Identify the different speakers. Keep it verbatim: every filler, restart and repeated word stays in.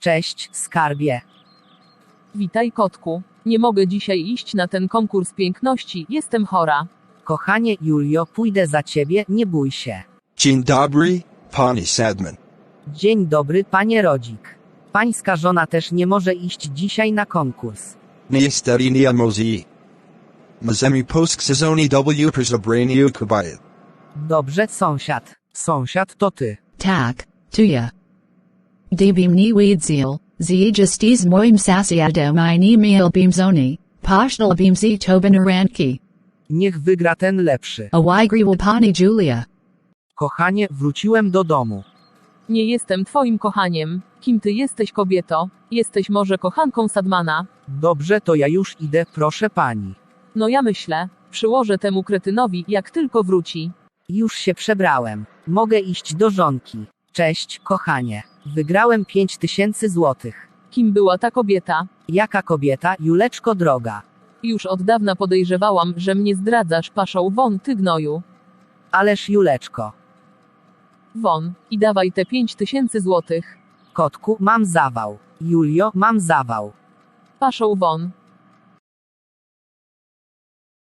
Speaker 1: Cześć, skarbie.
Speaker 2: Witaj, kotku. Nie mogę dzisiaj iść na ten konkurs piękności, jestem chora.
Speaker 1: Kochanie Julio, pójdę za ciebie, nie bój się.
Speaker 3: Dzień dobry, pani Sadman.
Speaker 1: Dzień dobry, panie Rodzik. Pańska żona też nie może iść dzisiaj na konkurs.
Speaker 3: Niestety nie może. Możemy posk sezoni W przebraniu kobiet.
Speaker 1: Dobrze, sąsiad. Sąsiad to ty.
Speaker 4: Tak, to ja. Dbim ni weedzil, zjistis moim sasiadem I ni meal beamzoni, poshtal beamzi tobinaranki.
Speaker 1: Niech wygra ten lepszy.
Speaker 4: Awigri wapani Julia.
Speaker 1: Kochanie, wróciłem do domu.
Speaker 2: Nie jestem twoim kochaniem. Kim ty jesteś, kobieto? Jesteś może kochanką Sadmana?
Speaker 1: Dobrze, to ja już idę, proszę pani.
Speaker 2: No ja myślę, przyłożę temu kretynowi, jak tylko wróci.
Speaker 1: Już się przebrałem. Mogę iść do żonki. Cześć, kochanie. Wygrałem pięć tysięcy złotych.
Speaker 2: Kim była ta kobieta?
Speaker 1: Jaka kobieta, Juleczko droga.
Speaker 2: Już od dawna podejrzewałam, że mnie zdradzasz, paszą won, ty gnoju.
Speaker 1: Ależ Juleczko.
Speaker 2: Won, i dawaj te pięć tysięcy złotych.
Speaker 1: Kotku, mam zawał. Julio, mam zawał.
Speaker 2: Paszą won.